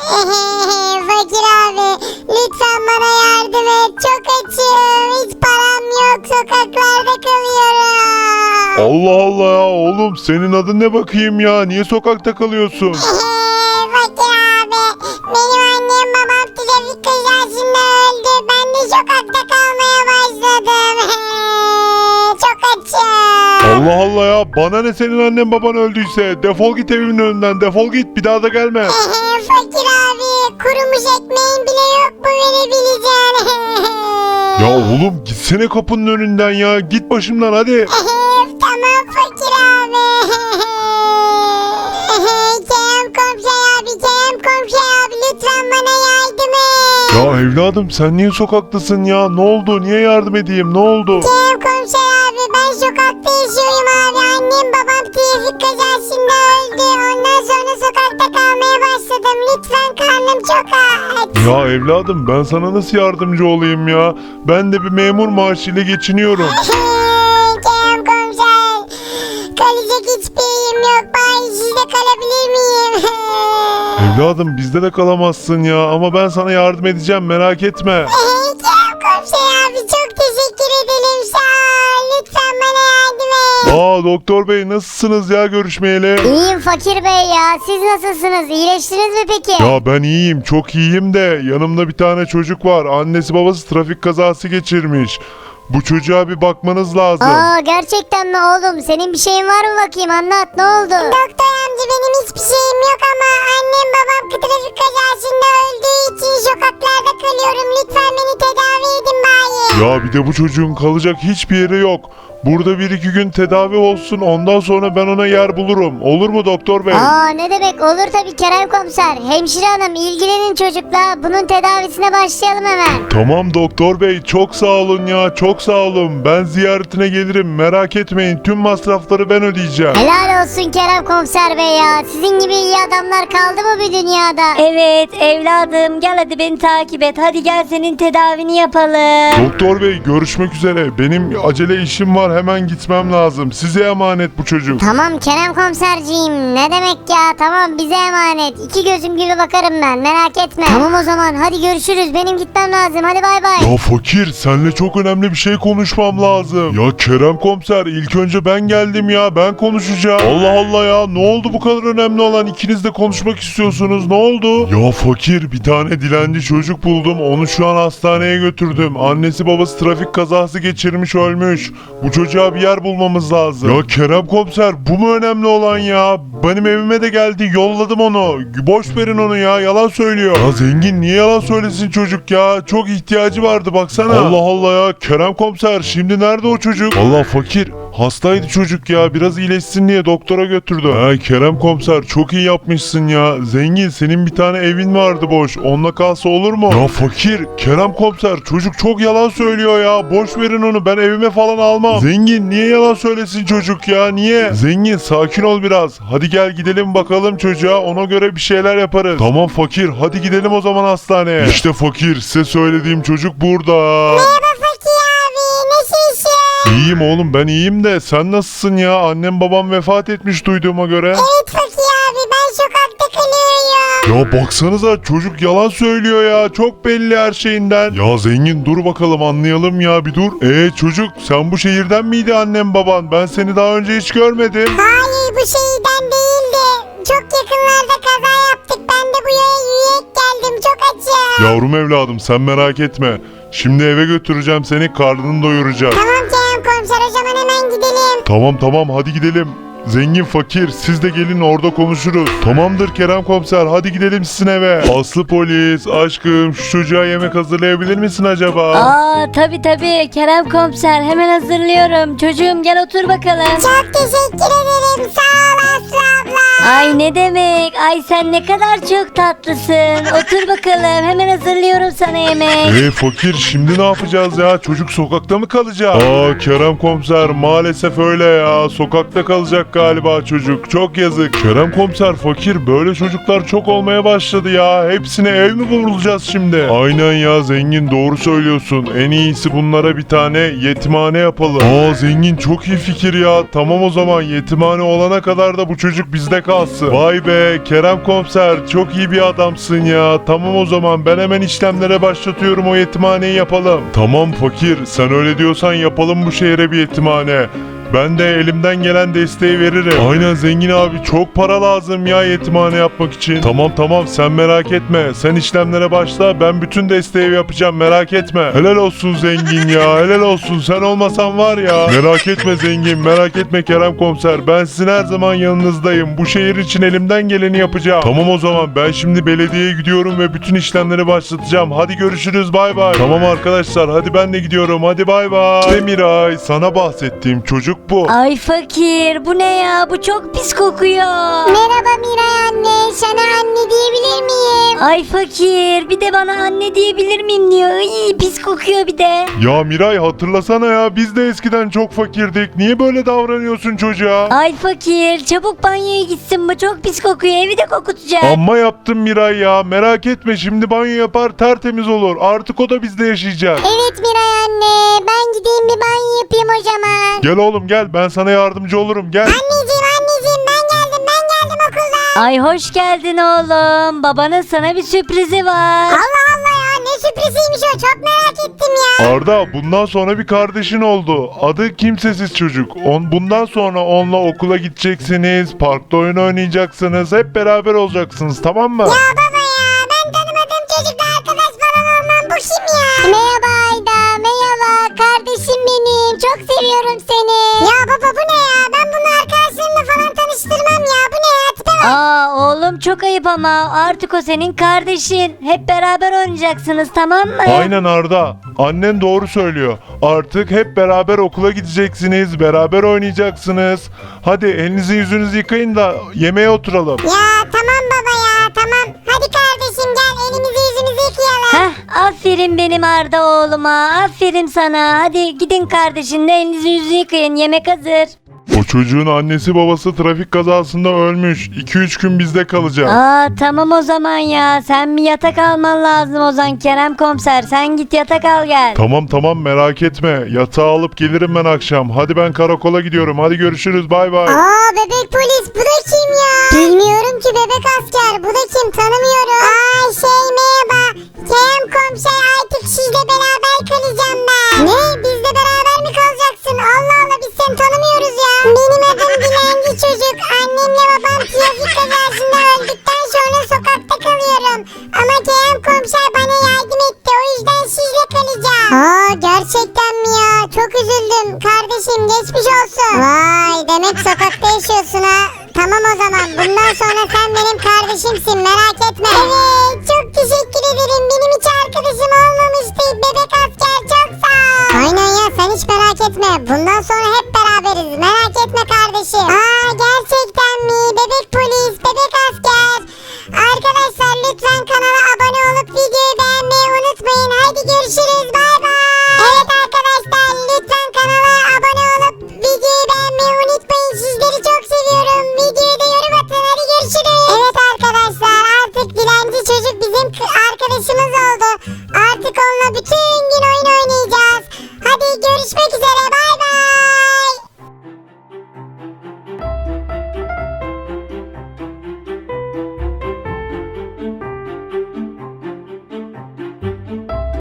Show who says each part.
Speaker 1: Fakir abi lütfen bana yardım et. Çok açım. Hiç param yok. Sokaklarda kalıyorum.
Speaker 2: Allah Allah ya oğlum, senin adın ne bakayım ya? Niye sokakta kalıyorsun?
Speaker 1: Fakir abi benim annem babam trafik kazasında öldü. Ben de sokakta kalmaya başladım. Çok açım.
Speaker 2: Allah Allah ya, bana ne senin annen baban öldüyse? Defol git evimin önünden, defol git, bir daha da gelme.
Speaker 1: Fakir abi kurumuş ekmeğin bile yok mu verebileceğin?
Speaker 2: Ya oğlum gitsene kapının önünden ya, git başımdan hadi.
Speaker 1: Tamam fakir abi. Kerem komşu abi lütfen bana yardım et.
Speaker 2: Ya evladım sen niye sokaktasın ya? Ne oldu? Niye yardım edeyim? Ne oldu?
Speaker 1: Kerem komşu abi ben sokakta yaşıyorum abi. Annem babam trafik kazasında öldü. Ondan sonra sokakta kalmaya başladım. Lütfen karnım çok aç.
Speaker 2: Ya evladım ben sana nasıl yardımcı olayım ya? Ben de bir memur maaşıyla geçiniyorum.
Speaker 1: Kerem komiser kalacak hiçbir yerim yok. Ben sizde kalabilir miyim?
Speaker 2: Evladım bizde de kalamazsın ya, ama ben sana yardım edeceğim, merak etme.
Speaker 1: Kerem komiser abi çok teşekkür ederim. Sağ ol. Lütfen bana yardım et.
Speaker 2: Aa doktor bey, nasılsınız ya görüşmeyeli?
Speaker 1: İyiyim fakir bey ya. Siz nasılsınız? İyileştiniz mi peki?
Speaker 2: Ya ben iyiyim, çok iyiyim de yanımda bir tane çocuk var. Annesi babası trafik kazası geçirmiş. Bu çocuğa bir bakmanız lazım.
Speaker 1: Aa gerçekten mi oğlum? Senin bir şeyin var mı bakayım? Anlat ne oldu? Doktor amca benim hiçbir şeyim yok ama annem babam trafik kazasında öldüğü için sokaklarda kalıyorum. Lütfen beni tedavi edin bari.
Speaker 2: Ya bir de bu çocuğun kalacak hiçbir yeri yok. Burada 1-2 gün tedavi olsun, ondan sonra ben ona yer bulurum. Olur mu doktor bey?
Speaker 1: Aa ne demek olur tabii Kerem komiser. Hemşire hanım ilgilenin çocukla. Bunun tedavisine başlayalım hemen.
Speaker 2: Tamam doktor bey, çok sağ olun ya, çok sağ olun. Ben ziyaretine gelirim, merak etmeyin, tüm masrafları ben ödeyeceğim.
Speaker 1: Helal olsun Kerem komiser bey ya. Sizin gibi iyi adamlar kaldı mı bu dünyada?
Speaker 3: Evet evladım gel hadi beni takip et. Hadi gel senin tedavini yapalım.
Speaker 2: Doktor bey görüşmek üzere, benim acele işim var, hemen gitmem lazım. Size emanet bu çocuk.
Speaker 1: Tamam Kerem komiserciğim. Ne demek ya? Tamam bize emanet. İki gözüm gibi bakarım ben. Merak etme. Tamam o zaman. Hadi görüşürüz. Benim gitmem lazım. Hadi bay bay.
Speaker 2: Ya fakir, seninle çok önemli bir şey konuşmam lazım. Ya Kerem komiser, ilk önce ben geldim ya, ben konuşacağım. Allah Allah ya, ne oldu bu kadar önemli olan? İkiniz de konuşmak istiyorsunuz, ne oldu? Ya fakir, bir tane dilenci çocuk buldum, onu şu an hastaneye götürdüm. Annesi babası trafik kazası geçirmiş, ölmüş. Bu çocuğa bir yer bulmamız lazım. Ya Kerem komiser, bu mu önemli olan ya? Benim evime de geldi, yolladım onu. Boş verin onu ya, yalan söylüyor. Ya zengin niye yalan söylesin çocuk ya? Çok ihtiyacı vardı baksana. Allah Allah ya, Kerem komiser şimdi nerede o çocuk? Allah fakir, hastaydı çocuk ya, biraz iyileşsin diye doktora götürdü. Ha Kerem komiser, çok iyi yapmışsın ya. Zengin, senin bir tane evin vardı boş, onunla kalsa olur mu? Ya fakir, Kerem komiser, çocuk çok yalan söylüyor ya. Boş verin onu, ben evime falan almam. Zengin niye yalan söylesin çocuk ya, niye? Zengin sakin ol biraz. Hadi gel gidelim bakalım çocuğa, ona göre bir şeyler yaparız. Tamam fakir, hadi gidelim o zaman hastaneye. İşte fakir, size söylediğim çocuk burada.
Speaker 1: Merhaba Fakir abi. Nasılsın?
Speaker 2: İyiyim oğlum, ben iyiyim de sen nasılsın ya? Annem babam vefat etmiş duyduğuma göre.
Speaker 1: Evet Fakir abi. Ben sokakta kalıyorum.
Speaker 2: Ya baksanıza, çocuk yalan söylüyor ya, çok belli her şeyinden. Ya zengin dur bakalım, anlayalım ya, bir dur. Çocuk, sen bu şehirden miydi annem baban? Ben seni daha önce hiç görmedim.
Speaker 1: Hayır bu şeyden değildi. Çok yakınlarda kaza yaptık. Ben de buraya yürüyerek geldim. Çok açım.
Speaker 2: Yavrum evladım, sen merak etme. Şimdi eve götüreceğim seni, karnını doyuracağız.
Speaker 1: Tamam Kerem komiser o zaman hemen gidelim.
Speaker 2: Tamam hadi gidelim. Zengin fakir, siz de gelin, orada konuşuruz. Tamamdır Kerem komiser, hadi gidelim sizin eve. Aslı polis, aşkım şu çocuğa yemek hazırlayabilir misin acaba?
Speaker 3: Aa tabi Kerem komiser hemen hazırlıyorum. Çocuğum gel otur bakalım.
Speaker 1: Çok teşekkür ederim. Sağ ol Aslı abla.
Speaker 3: Ay ne demek? Ay sen ne kadar çok tatlısın. Otur bakalım hemen hazırlıyorum sana yemek.
Speaker 2: Fakir, şimdi ne yapacağız ya? Çocuk sokakta mı kalacak? Kerem komiser, maalesef öyle ya. Sokakta kalacak galiba çocuk. Çok yazık. Kerem komiser, fakir, böyle çocuklar çok olmaya başladı ya. Hepsine ev mi bulacağız şimdi? Aynen ya zengin, doğru söylüyorsun. En iyisi bunlara bir tane yetimhane yapalım. Aa zengin, çok iyi fikir ya. Tamam o zaman, yetimhane olana kadar da bu çocuk bizde kalsın. Vay be Kerem komiser, çok iyi bir adamsın ya. Tamam o zaman, ben hemen işlemlere başlatıyorum, o yetimhaneyi yapalım. Tamam fakir, sen öyle diyorsan yapalım bu şehre bir yetimhane. Ben de elimden gelen desteği veririm. Aynen zengin abi, çok para lazım ya yetimhane yapmak için. Tamam sen merak etme. Sen işlemlere başla, ben bütün desteği yapacağım, merak etme. Helal olsun zengin ya, helal olsun. Sen olmasan var ya. Merak etme zengin, merak etme Kerem komiser. Ben sizin her zaman yanınızdayım. Bu şehir için elimden geleni yapacağım. Tamam o zaman, ben şimdi belediyeye gidiyorum ve bütün işlemleri başlatacağım. Hadi görüşürüz, bay bay. Tamam arkadaşlar, hadi ben de gidiyorum. Hadi bay bay. İşte Miray, sana bahsettiğim çocuk bu.
Speaker 3: Ay fakir, bu ne ya? Bu çok pis kokuyor.
Speaker 1: Merhaba Miray anne. Sana anne diyebilir miyim?
Speaker 3: Ay fakir, bir de bana anne diyebilir miyim diyor. Ay, pis kokuyor bir de.
Speaker 2: Ya Miray, hatırlasana ya, biz de eskiden çok fakirdik. Niye böyle davranıyorsun çocuğa?
Speaker 3: Ay fakir, çabuk banyoya gitsin, bu çok pis kokuyor, evi de kokutacak.
Speaker 2: Amma yaptım Miray ya. Merak etme, şimdi banyo yapar, tertemiz olur. Artık o da bizde yaşayacak.
Speaker 1: Evet Miray anne. Ben gideyim bir banyo yapayım o zaman.
Speaker 2: Gel oğlum gel, ben sana yardımcı olurum, gel.
Speaker 1: Anneciğim ben geldim okuldan.
Speaker 3: Ay hoş geldin oğlum. Babanın sana bir sürprizi var.
Speaker 1: Allah Allah ya, ne sürpriziymiş o, çok merak ettim ya.
Speaker 2: Arda, bundan sonra bir kardeşin oldu. Adı Kimsesiz Çocuk. Bundan sonra onunla okula gideceksiniz, parkta oyun oynayacaksınız, hep beraber olacaksınız, tamam mı?
Speaker 1: Ya baba ya, ben tanımadığım çocukla arkadaş falan olmam, bu kim ya? Merhaba Ayda, merhaba kardeşim benim, çok seviyorum seni. Ya baba bu ne ya, ben bunu arkadaşlarımla falan tanıştırmam ya, bu ne ya, tipe bak.
Speaker 3: Aa oğlum, çok ayıp ama artık o senin kardeşin. Hep beraber oynayacaksınız, tamam mı?
Speaker 2: Aynen Arda. Annen doğru söylüyor. Artık hep beraber okula gideceksiniz, beraber oynayacaksınız. Hadi elinizi yüzünüzü yıkayın da yemeğe oturalım.
Speaker 1: Ya tamam baba ya, tamam. Hadi kardeşim gel, elimizi yüzümüzü yıkayalım.
Speaker 3: Heh, aferin benim Arda oğluma. Aferin sana. Hadi gidin kardeşinle elinizi yüzünüzü yıkayın. Yemek hazır.
Speaker 2: O çocuğun annesi babası trafik kazasında ölmüş. 2-3 gün bizde kalacak.
Speaker 3: Aa tamam o zaman ya. Sen bir yatak alman lazım o zaman Kerem komiser. Sen git yatak al gel.
Speaker 2: Tamam merak etme. Yatağı alıp gelirim ben akşam. Hadi ben karakola gidiyorum. Hadi görüşürüz, bay bay.
Speaker 1: Aa bebek polis, bu da kim ya? Bilmiyorum ki bebek asker, bu da kim, tanımıyorum. Ay şey